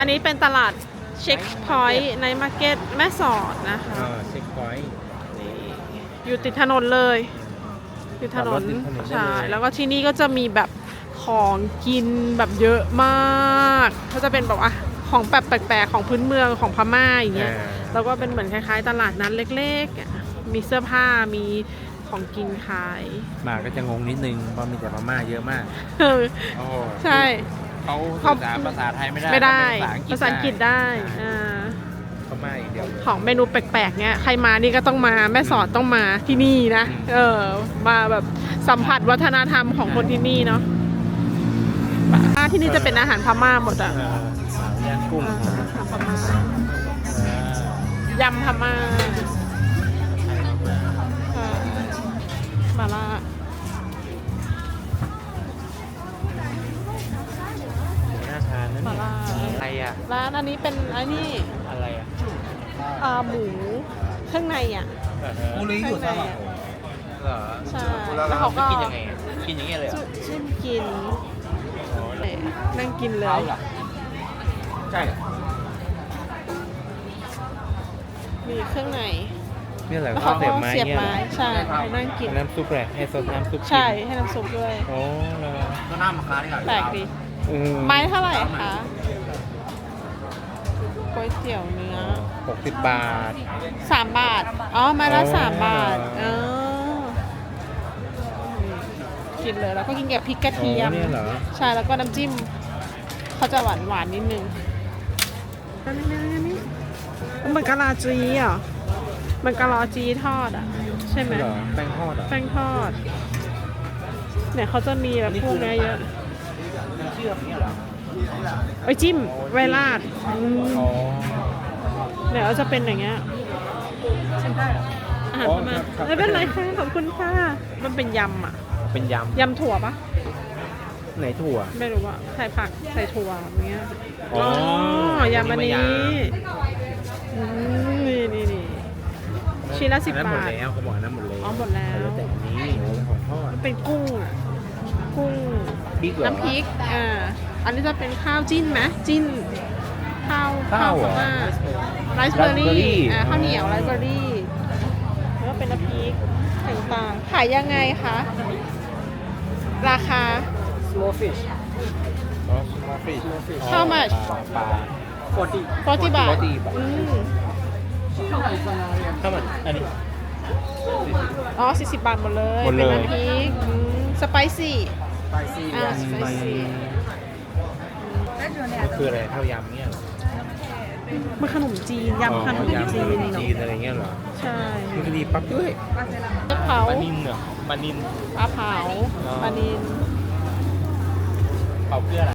อันนี้เป็นตลาดเช็คพอยต์ในมาร์เก็ตแม่สอดนะคะเช็คพอยต์นี่อยู่ติดถนนเลยอยู่ถนนใช่แล้วก็ที่นี่ก็จะมีแบบของกินแบบเยอะมากก็จะเป็นแบบของแบบแปลกๆของพื้นเมืองของพม่าอย่างเงี้ยแล้วก็เป็นเหมือนคล้ายๆตลาดนั้นเล็กๆมีเสื้อผ้ามีของกินขายมาก็จะงงนิดนึงเพราะมีแต่พม่าเยอะมากใช่เขาสื่อสารภาษาไทยไม่ได้ภาษาอังกฤษได้พม่าอย่างเดียวของเมนูแปลกๆเนี้ยใครมานี่ก็ต้องมาแม่สอดต้องมาที่นี่นะมาแบบสัมผัสวัฒนธรรมของคนที่นี่เนาะที่นี่จะเป็นอาหารพม่าหมดย่างกุ้งพม่ายำพม่ามาล่าน่าทานนั่นอะไรร้านอันนี้เป็นอะไรหมูเครื่องในกูเลยอยู่ข้างหลังเหรอใช่แล้วเขาก็กินยังไงกินอย่างเงี้ยเลยจิ้มกินนั่งกินเลยใช่มีเครื่องในนี่แหละเขาก็เสียบไม้ใช่นั่งกินน้ำซุปแหละให้ซดน้ำซุปใช่ให้น้ำซุปด้วยโอ้แล้วก็น้ำมะขามนี่แหละแปลกดีไม้เท่าไหร่คะก๋วยเตี๋ยวเนื้อ 60 บาท 3 บาทไม้ละ3 บาทกินเลยแล้วก็กินกับพริกกระเทียมใช่แล้วก็น้ำจิ้มเขาจะหวานนิดนึงนี่เหมือนกะลาจีมันกะลาจีทอดใช่ไหมแป้งทอดเนี่ยเขาจะมีแบบพวกนี้เยอะเชื่อมเนี่ยเหรอไอ้จิ้มไวราดเนี่ยจะเป็นอย่างเงี้ยอาหารพม่าไม่เป็นไรค่ะขอบคุณค่ะมันเป็นยำเป็นยำถั่วปะไหนถั่วไม่รู้ว่าใส่ผักใส่ถั่วอย่างเงี้ยยำอันนี้นี่ชิ้นละ10 บาทหมดแล้วเขาบอกนั้นหมดแล้วหมดแล้วแต่อันนี้ของทอดเป็นกุ้งน้ำพริกอันนี้จะเป็นข้าวจิ้นไหมจิ้นข้าวพม่าไรซ์เบอร์รี่ข้าวเหนียวไรซ์เบอร์รี่แล้วก็เป็นน้ำพริกต่างๆขายยังไงคะราคา small fish how much 40 บาทถ้ามันอันนี้ 40 บาทหมดเลยเป็นน้ำพริกสไปซี่สไปซี่มันคืออะไรข้าวยำเนี่ยมันขนมจีนยำขนมจีนอะไรเงี้ยเหรอใช่มันก็ดีปั๊บด้วยปลาเผาปลานิลเหรอปลานิลปลาเผาปลานิลเผาเพื่ออะไร